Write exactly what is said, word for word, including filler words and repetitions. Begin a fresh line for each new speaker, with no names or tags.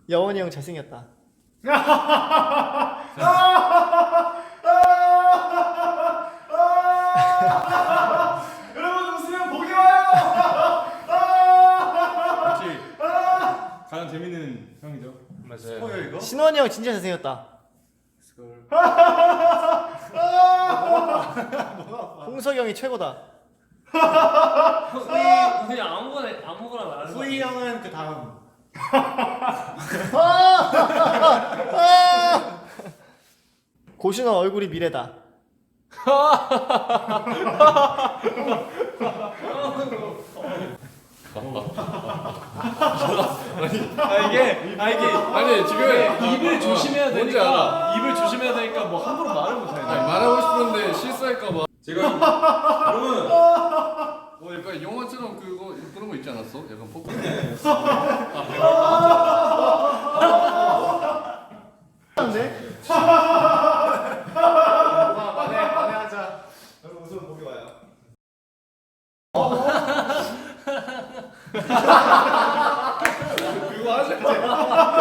여원이 형 잘생겼다.
여러분 웃으면 복이 와요.
역시 가장 재밌는 형이죠.
맞아요.
뭐야 이거?
신원이 형 진짜 잘생겼다. 홍석이 형이 최고다.
그냥 그냥 아무거나 아무거나 말하는 거.
후이 형은 그 다음.
고신원 얼굴이 미래다.
아 이게 아 이게
아니 지금
입을 조심해야
뭔지
되니까
알아.
입을 조심해야 되니까 뭐 함부로 말을 못
아니,
해.
말하고 싶은데 실수할까봐. 제가 여러분 뭐 약간 영화처럼 그거 그런 거 있지 않았어? 약간 포크.
안돼?
만에 만에 하자. 여러분 웃으면 복이 와요.
그거 하자.